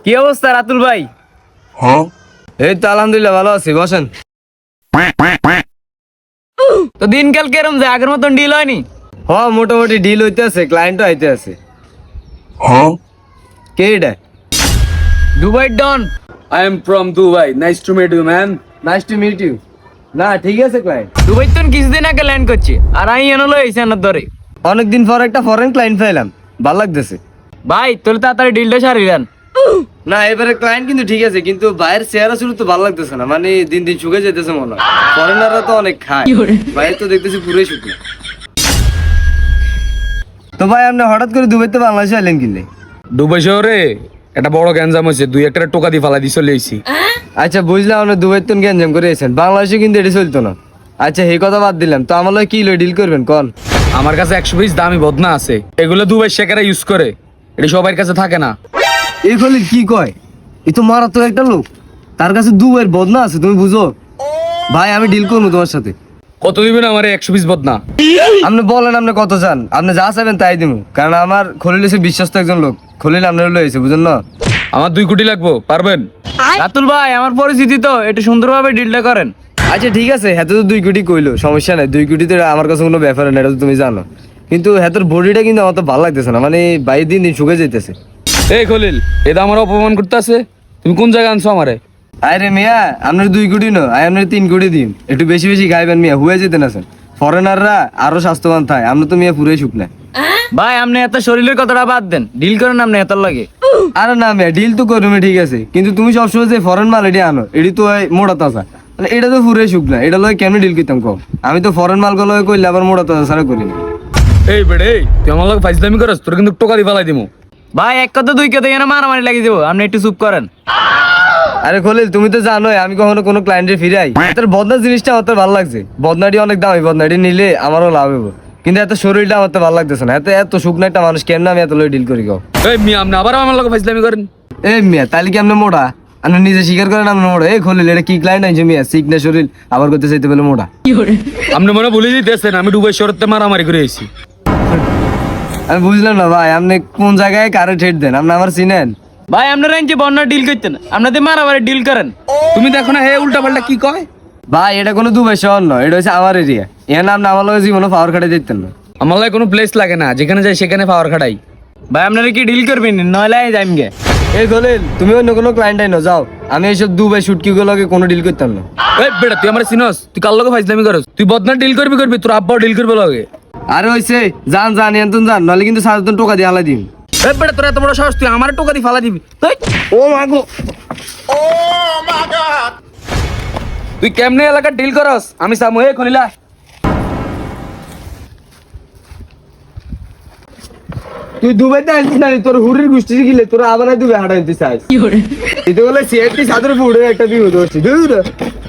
কি অবস্থা রাতুল ভাই? এই তো আলহামদুলিল্লাহ ভালো আছি, বসেন। তো দিনকাল কেরম যায়, আগের মতন ডিল হয়নি? মোটামুটি ডিল হইতে আছে, ক্লায়েন্টও আইতে আছে। কে এটা? Dubai don. I am from Dubai. Nice to meet you, man. Nice to meet you. না ঠিক আছে ক্লায়েন্ট। দুবাই তো কিছুদিন আগে ল্যান্ড করছি, আর আমি এনলো এসে আনার ধরে। অনেকদিন পর একটা ফরেন ক্লায়েন্ট পাইলাম, ভালো লাগতেছে। ভাই তোর তাড়াতাড়ি ডিলটা সারি দেন। না এবারে ক্লায়েন্ট কিন্তু ঠিক আছে, কিন্তু বাইরের চেহারা শুরু তো ভালো লাগতেছে না, মানে দিন দিন শুকে যেতেছে মনে হয়। ফরেনাররা তো অনেক খায়, বাইরে তো দেখতেছি পুরোই শুকনো। তো ভাই আপনি হঠাৎ করে দুবাইতে বাংলাদেশে আইলেন কিনলে? দুবাই শহরে একটা বড় গ্যাঞ্জাম হয়েছে, দুই একটা টোকা দিয়ে ফালা দিয়ে চলে এসেছি। আচ্ছা বুঝলাম, আপনি দুবাইতে গ্যাঞ্জাম করে এসেছেন, বাংলাদেশে কিন্তু এটি চলতো না। আচ্ছা এই কথা বাদ দিলাম, তো আমার লগে কি ডিল করবেন কন? আমার কাছে 100 পিস দামি বদনা আছে, এগুলো দুবাই শেখারা ইউজ করে, এটা সবার কাছে থাকে না। এই খলিল কি কয়? এই তো মারাত্মক একটা লোক, তার কাছে দুবাইয়ের বদনা আছে, তুমি বুঝো? ভাই আমি ডিল করবো তোমার সাথে। কত দিবেন আমার 100 পিস বদনা? আপনি বলেন আপনি কত চান, আপনি যা চাইবেন তাই দিব, কারণ আমার খলিল হচ্ছে বিশ্বস্ত একজন লোক। খলিল আপনার লয়েছে, বুঝলেন না? আমার 2 কোটি লাগবো, পারবেন? রাতুল ভাই আমার পরিচিতি তো, একটু সুন্দরভাবে ডিলটা করেন। আচ্ছা ঠিক আছে, হ্যাঁ তো 2 কোটি কইলো, সমস্যা নাই। 2 কোটি তো আমার কাছে কোনো ব্যাপার না, এটা তো তুমি জানো। কিন্তু হ্যাঁ বডিটা কিন্তু আমার তো ভালো লাগতেছে না, মানে বাইরে দিন দিন শুকে যেতেছে। এই খলিল, এটা আমার অপমান করতে আছে? তুমি কোন জায়গায় আনছো আমারে? আরে মিয়া আপনার 2 কোটি না, আপনার 3 কোটি দিন, একটু বেশি বেশি খাইবেন মিয়া, হুয়ে যেতেন আছেন। ফরেনাররা আরো স্বাস্থ্যবান থাকে, আমরা তো মিয়া পুরোই শুকনা। ভাই আপনি এত শরীরের কথাটা বাদ দেন, ডিল করেন আপনি এত লাগে। আরে না মিয়া ডিল তো করবে ঠিক আছে, কিন্তু তুমি সবসময় যে ফরেন মাল এটি আনো, এটি তো মোটা তাজা, মানে এটা তো পুরোই শুকনা, এটা লয় কেমনি ডিল করতাম কম? আমি তো ফরেন মাল গুলো কইলে আবার মোটা তাজা ছাড়া করি না। এই বেড়ে, তুই আমার লোক ফাইজলামি করস, তোর কিন্তু টোকা দিয়ে ফালাই দিমু। ভাই এক কথা দুই কথা এখানে মারামারি লাগিয়ে দেবো, আপনি একটু চুপ করেন। আরে খলিল তুমি তো জানোই আমি কখনো কোনো ক্লায়েন্টের ফিরাই। তোর বদনা জিনিসটা আমার তো ভালো লাগছে, বদনাটি অনেক দামি, বদনাটি নিলে আমারও লাভ হবে, কিন্তু এত শরীরটা আমার তো ভালো লাগতেছে না। এত শুকনো একটা মানুষ কেমন আমি এত লই ডিল করি গাও? এই মিয়া, আপনি আবার আমার লোক ফাইজলামি করেন? এই মিয়া তাহলে কি আপনি মোটা? আপনি নিজে স্বীকার করেন আপনি মোটা। এই খলিল এটা কি ক্লায়েন্ট আইছে মিয়া, শিখ না শরীর, আবার করতে চাইতে পেলে মোটা। আপনি মনে ভুলে দিতেছেন আমি দুবাই শহরতে মারামারি করে এসেছি। আমি বুঝলাম না ভাই, আপনি কোন জায়গায় কারে ঠেট দেন? আপনি আমার চিনেন? ভাই আপনারা যে বন্যা ডিল করতেন, আপনাদের মারামারি ডিল করেন। তুমি দেখো না হে উল্টা পাল্টা কি কয়। ভাই এটা কোনো দুবাই শহর নয়, এটা হচ্ছে আমার এরিয়া। এর নাম আমার লগে জীবনে পাওয়ার খাটে দিতেন না। আমার লাগে কোনো প্লেস লাগে না, যেখানে যাই সেখানে পাওয়ার খাটাই। ভাই আপনারা কি ডিল করবেন, নয়লে যাইম গে। এই খলিল তুমি অন্য কোনো ক্লায়েন্ট আইনো যাও, আমি এইসব দুবাই শুটকি গুলোকে কোনো ডিল করতাম না। এই বেটা তুই আমার চিনস? তুই কার লগে ফাইজলামি করস? তুই বদনা ডিল করবি তোর আব্বাও ডিল করবে লগে। আরে হইছে জান জান এন্তন জান, নাহলে কিন্তু 7 টাকা দিয়ে হালাই দিন। এই বেটা তোর এত বড় সাহস, তুই আমার টোকা দিয়ে ফালা দিবি? ও মাগো, তুই কেমনে এলাকা ডিল করস আমি সামু। এ খলিলা, তুই দুবাইতে আসছিস না, তোর হুরির গোষ্ঠী গিলে তোর আবার দুবাই হাঁটা নিতে চাস। এটা বলে সিআরটি সাদের ফুড়ে একটা বিপদ হচ্ছে।